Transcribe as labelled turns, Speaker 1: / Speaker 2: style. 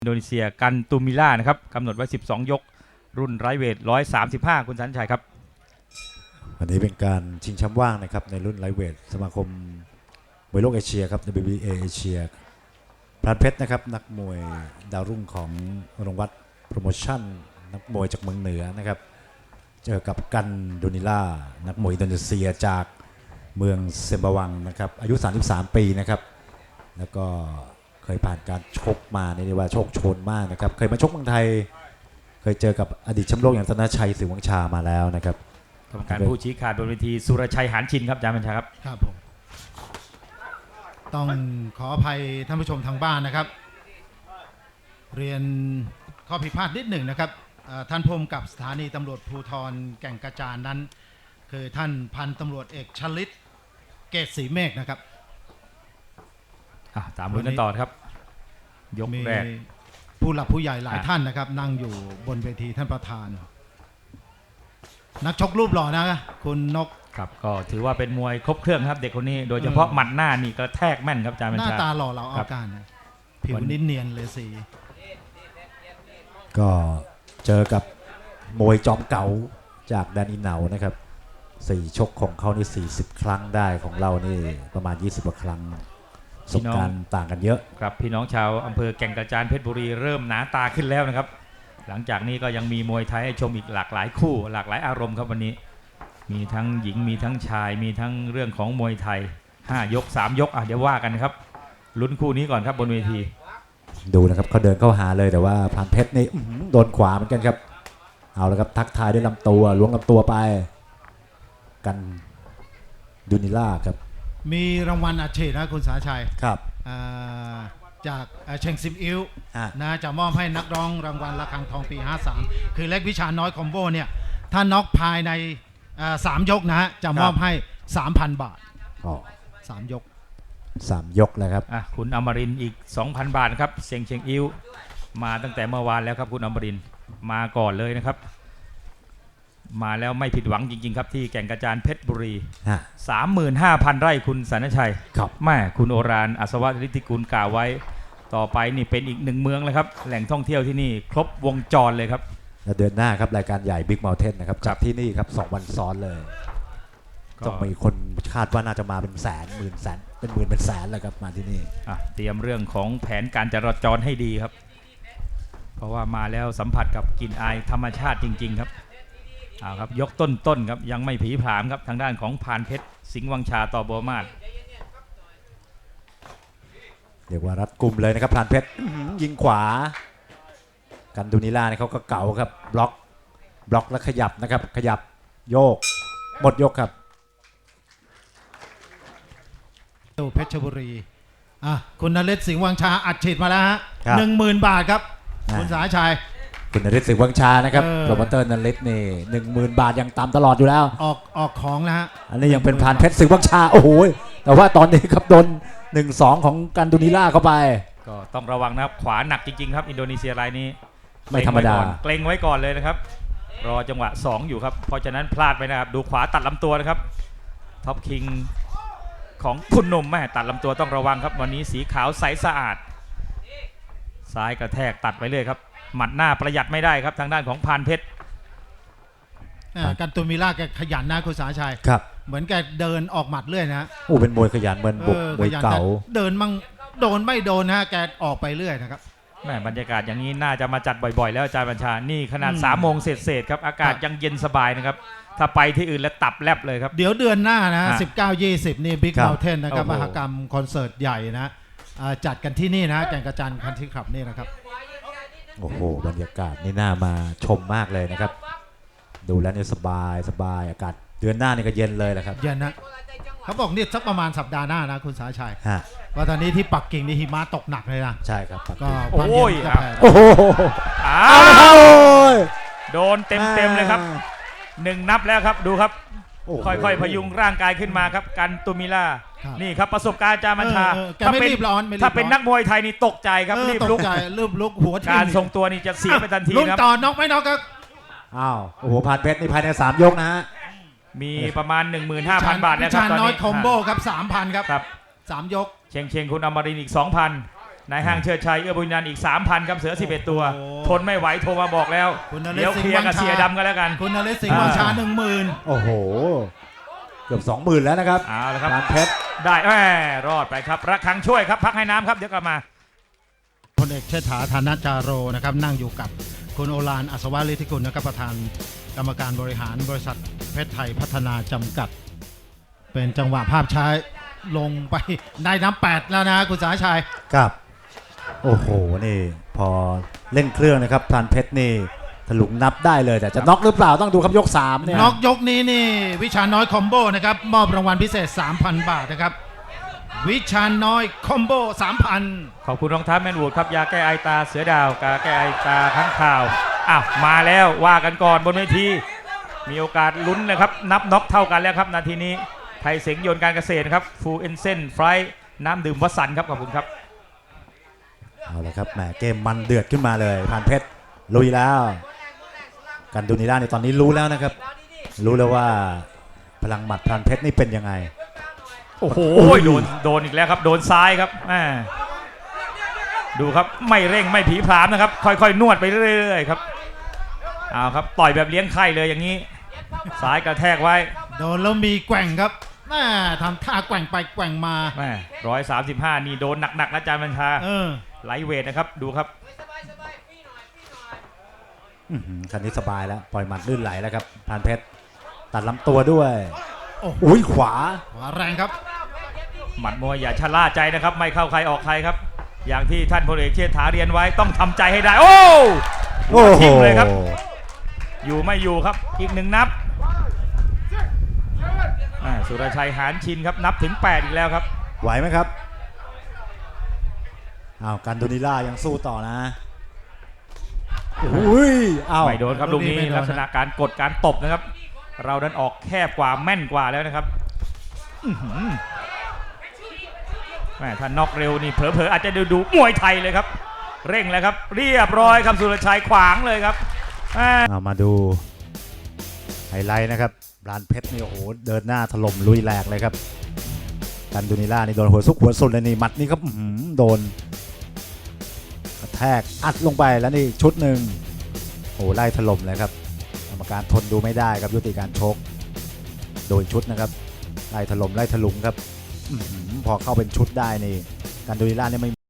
Speaker 1: อินโดนีเซียกันตูมิล่านะครับกำหนดไว้12ยกรุ่นไรเวท135คุณสันชัยครับ
Speaker 2: วันนี้เป็นการชิงแชมป์ว่างนะครับในรุ่นไลท์เวทสมาคมมวยโลกเอเชียครับ WBA เอเชียพรานเพชรนะครับนักมวยดาวรุ่งของโรงวัดโปรโมชั่นนักมวยจากเมืองเหนือนะครับเจอกับกันดูนิล่านักมวยอินโดนีเซียจากเมืองเซมบาวังนะครับอายุ33ปีนะครับแล้วก็เคยผ่านการชกมาในว่าโชคโชนมากนะครับเคยมาชกเมืองไทยเคยเจอกับอดีตแชมป์โลกอย่างธนชัยศรีวังชามาแล้วนะครับ
Speaker 1: กรรมการผู้ชี้ขาดบนเวทีสุรชัยหานชินครับอาจารย์บัญชาครับ
Speaker 3: ครับผมต้องขออภัยท่านผู้ชมทางบ้านนะครับเรียนข้อผิดพลาดนิดหนึ่งนะครับท่านผู้กำกับสถานีตำรวจภูธรแก่งกระจานนั้นคือท่านพันตำรวจเอกชลิตเกษศรีเมฆนะครับ
Speaker 1: ตามลุ้นกันต่อครับยกแรก
Speaker 3: ผู้หลักผู้ใหญ่หลายท่านนะครับนั่งอยู่บนเวทีท่านประธานนักชกรูปหล่อนะคุณนก
Speaker 1: ครับก็ถือว่าเป็นมวยครบเครื่องครับเด็กคนนี้โดยเฉพาะหมัดหน้านี่ก็แทกแม่นครับอาจารย์บัญชา
Speaker 3: หน้าตาหล่อเราเอาการผิวนิ่เนียนเลยสี
Speaker 2: ก็เจอกับมวยจอมเก่าจากแดนอินเหนานะครับ4ชกของเขานี่40ครั้งได้ของเรานี่ประมาณ20กว่าครั้งประสบการณ์ต่างกันเยอะ
Speaker 1: ครับพี่น้องชาวอำเภอแก่งกระจานเพชรบุรีเริ่มหนาตาขึ้นแล้วนะครับหลังจากนี้ก็ยังมีมวยไทยให้ชมอีกหลากหลายคู่หลากหลายอารมณ์ครับวันนี้มีทั้งหญิงมีทั้งชายมีทั้งเรื่องของมวยไทย5ยก3ยกเดี๋ยวว่ากันครับลุ้นคู่นี้ก่อนครับบนเวที
Speaker 2: ดูนะครับเขาเดินเข้าหาเลยแต่ว่าพรานเพชรนี่โดนขวาเหมือนกันครับเอาละครับทักทายด้วยลำตัวล้วงลำตัวไปกันดูนิล่าครับ
Speaker 3: มีรางวัลอาชีพนะคุณสาชัย
Speaker 2: ครับ
Speaker 3: จากเชงซิมอิวนะจะมอบให้นักร้องรางวัลระฆังทองปี53คือเล็กวิชาน้อยคอมโบเนี่ยถ้าน็อกภายใน3ยกนะฮะจะมอบให้ 3,000 บาท3 ยก
Speaker 2: 3 ยกเลยครับ
Speaker 1: คุณอมรินทร์อีก 2,000 บาทครับเชงอิวมาตั้งแต่เมื่อวานแล้วครับคุณอมรินทร์มาก่อนเลยนะครับมาแล้วไม่ผิดหวังจริงๆครับที่แก่งกระจานเพชรบุรี 35,000 ไร่คุณสันชัยแม่คุณโอรานอัศวฤทธิกุลกล่าวไว้ต่อไปนี่เป็นอีกหนึ่งเมืองเลยครับแหล่งท่องเที่ยวที่นี่ครบวงจรเลยครับ
Speaker 2: และเดือนหน้าครับรายการใหญ่ Big Mountain นะครับจัดที่นี่ครับ2 วันซ้อนเลยต้องมีคนคาดว่าน่าจะมาเป็นแสนหมื่นแสนเป็นหมื่นเป็นแสนเลยครับมาที่นี่
Speaker 1: เตรียมเรื่องของแผนการจราจรให้ดีครับเพราะว่ามาแล้วสัมผัสกับกลิ่นอายธรรมชาติจริงๆครับครับยกต้นครับยังไม่ผีผามครับทางด้านของพานเพชรสิงห์วังชาต่อบัวมาศ
Speaker 2: เรียกว่ารัดกุมเลยนะครับพานเพชรยิงขวากันดูนิล่าเนี่ยเขาก็เก่าครับบล็อกแล้วขยับนะครับขยับโยกหมดยกครับ
Speaker 3: เพชรบุรีคุณนฤทธิ์สิงห์วังชาอัดฉีดมาแล้วฮะ 10,000 บาทครับคุณสาชัย
Speaker 2: คุณนฤทธิ์สิงห์วังชานะครับโปรโมเตอร์นฤทธิ์นี่ 10,000 บาทยังตามตลอดอยู่แล้ว
Speaker 3: ออกของนะฮะ
Speaker 2: อันนี้ยังเป็นพานเพชรสิงห์วังชาโอ้โหแต่ว่าตอนนี้ครับโดน 1-2 ของกันดูนิล่าเข้าไป
Speaker 1: ก็ต้องระวังนะครับขวาหนักจริงๆครับอินโดนีเซียรายนี้
Speaker 2: ไม่ธรรมดา
Speaker 1: เกรงไว้ก่อนเลยนะครับรอจังหวะ2อยู่ครับเพราะฉะนั้นพลาดไปนะครับดูขวาตัดลำตัวนะครับท็อปคิงของคุณหนุ่มแม่ตัดลำตัวต้องระวังครับวันนี้สีขาวใสสะอาดซ้ายกระแทกตัดไปเลยครับหมัดหน้าประหยัดไม่ได้ครับทางด้านของพานเพชร
Speaker 3: กันตูมิล่าแกขยันนะคุณสาชัย
Speaker 2: ครับ
Speaker 3: เหมือนแกเดินออกหมัดเรื่อยนะ
Speaker 2: เป็นมวยขยันเหมือนมวยเก่า
Speaker 3: เดินมั่งโดนไม่โดนนะแกออกไปเรื่อยนะครับ
Speaker 1: แม่บรรยากาศอย่างนี้น่าจะมาจัดบ่อยๆแล้วอาจารย์บัญชานี่ขนาด3 โมงเศษครับอากาศยังเย็นสบายนะครับถ้าไปที่อื่นแล้วตับแลบเลยครับ
Speaker 3: เดี๋ยวเดือนหน้านะ19-20นี่ Big Mountain นะครับมหกรรมคอนเสิร์ตใหญ่นะจัดกันที่นี่นะแก่งกระจานคันทรีคลับนี่นะครับ
Speaker 2: โอ้โหบรรยากาศนี่น่ามาชมมากเลยนะครับดูแล้วนี่สบายอากาศเดือนหน้านี่ก็เย็นเลยแหละครับ
Speaker 3: เย็นนะเขาบอกนี่สักประมาณสัปดาห์หน้านะคุณสาชัยว่าตอนนี้ที่ปักกิ่งนี่หิมะตกหนักเลยนะ
Speaker 2: ใช่ครับ
Speaker 3: ก็
Speaker 1: ความเย็น
Speaker 3: จะแผ่
Speaker 1: โดนเต็มเลยครับ1 นับแล้วครับดูครับค่อยๆพยุงร่างกายขึ้นมาครับกันตูมิล่านี่ครับประสบการณ์อาจารย์บัญชา
Speaker 3: ถ้า
Speaker 1: เป็นนักมวยไทยนี่ตกใจครับรีบ
Speaker 3: ลุกหัว
Speaker 1: การทรงตัวนี่จะเสียไปทันทีครับ
Speaker 3: ลุ้นต่อน็อกไม่น็อกครับ
Speaker 2: โอ้โหพานเพชรนี่ภายใน3 ยกนะฮะ
Speaker 1: มีประมาณ 15,000 บาทนะครับตอนนี้
Speaker 3: น้อยคอมโบครับ 3,000 ครับ3 ยก
Speaker 1: เชงคุณอมรินทร์อีก 2,000 นายห้างเชิดชัยเอื้อบุญนันท์อีก 3,000 ครับเสือ 11 ตัว
Speaker 3: โอ้โห
Speaker 1: ทนไม่ไหวโทรมาบอกแล้ว
Speaker 3: คุณนฤทธิ์
Speaker 1: เดี๋ยวเคลียร์กับ
Speaker 3: สิงห์วังชา
Speaker 1: เสียดำกันแล้วกัน
Speaker 3: คุณนฤทธิ์สิงห์วังชา 10,000
Speaker 2: โอ้โห เกือบ 20,000 แล้วนะครับ
Speaker 1: เอาละครับ
Speaker 2: พรานเพชร
Speaker 1: ได้รอดไปครับระฆังช่วยครับพักให้น้ำครับเดี๋ยวกลับมา
Speaker 3: พลเอกเชษฐาธนจาโรนะครับนั่งอยู่กับคุณโอฬารอัศวะฤทธิกุลนะครับประธานกรรมการบริหารบริษัทเพชรไทยพัฒนาจำกัด เป็นจังหวะภาพช้าลงไปได้น้ำ8แล้วนะคุณสาชัย
Speaker 2: ครับ โอ้โห นี่ พอเล่นเครื่องนะครับพรานเพชรนี่ถลุงนับได้เลย แต่จะน็อกหรือเปล่าต้องดูครับยก 3 เนี่ย
Speaker 3: น็อกยกนี้นี่วิชาน้อยคอมโบนะครับมอบรางวัลพิเศษ 3,000 บาทนะครับวิชาน้อยคอมโบ 3,000
Speaker 1: ขอบคุณรองเท้าแมนวูดครับยาแก้ไอตาเสือดาวกาแก้ไอตาข้างข่าวอ้าวมาแล้วว่ากันก่อนบนเวทีมีโอกาสลุ้นนะครับนับน็อกเท่ากันแล้วครับนาทีนี้ไทยเสงยนต์การเกษตรครับฟูเอนเซนไฟน้ำดื่มวัสันครับขอบคุณครับ
Speaker 2: เอาละครับแหมเกมมันเดือดขึ้นมาเลยพรานเพชรลุยแล้ว กันดูนิล่าในตอนนี้รู้แล้วนะครับ รู้แล้วว่าพลังหมัดพรานเพชรนี่เป็นยังไง
Speaker 1: โอ้โหโดนอีกแล้วครับโดนซ้ายครับดูครับไม่เร่งไม่ผีผามนะครับค่อยๆนวดไปเรื่อยๆครับเอาครับต่อยแบบเลี้ยงไข่เลยอย่างนี้ซ้ายกระแทกไว้
Speaker 3: โดนแล้วมีแกว่งครับแม่ทำท่าแกว่งไปแกว่งมา
Speaker 1: 135นี่โดนหนักๆนะอาจารย์บัญชาไลท์เวทนะครับดูครับ
Speaker 2: คันนี้สบายแล้วปล่อยหมัดลื่นไหลแล้วครับพรานเพชรตัดลำตัวด้วย
Speaker 3: โอ้โห
Speaker 2: อุ้ยขวา
Speaker 3: ขวาแรงครับ
Speaker 1: หมัดมวยอย่าชะล่าใจนะครับไม่เข้าใครออกใครครับอย่างที่ท่านพลเอกเชษฐาเรียนไว้ต้องทำใจให้ได้โอ้
Speaker 2: โอ้โห
Speaker 1: ทิ้งเลยครับอยู่ไม่อยู่ครับอีกหนึ่งนับสุรชัยหานชินครับนับถึง8อีกแล้วครับ
Speaker 2: ไหวไหมครับอ้าวกันดูนิล่ายังสู้ต่อนะอุ้ยอ้าว
Speaker 1: ไม่โดนครับลูกนี้ลักษณะการกดการตบนะครับเราดันออกแคบกว่าแม่นกว่าแล้วนะครับแม่ถ้าน็อกเร็วนี่เผลอๆอาจจะดูมวยไทยเลยครับเร่งแล้วครับเรียบร้อยครับสุรชัยขวางเลยครับ
Speaker 2: เอามาดูไฮไลท์นะครับพรานเพชรนี่โอ้โหเดินหน้าถล่มลุยแหลกเลยครับกันดูนิล่านี่โดนหัวซุกหัวสุดเลยนี่หมัดนี่ครับโดนกระแทกอัดลงไปแล้วนี่ชุดหนึ่งโอ้ไล่ถล่มเลยครับกรรมการทนดูไม่ได้ครับยุติการชกโดนชุดนะครับไล่ถล่มไล่ถลุงครับพอเข้าเป็นชุดได้นี่กันดูนิล่านี่ไม่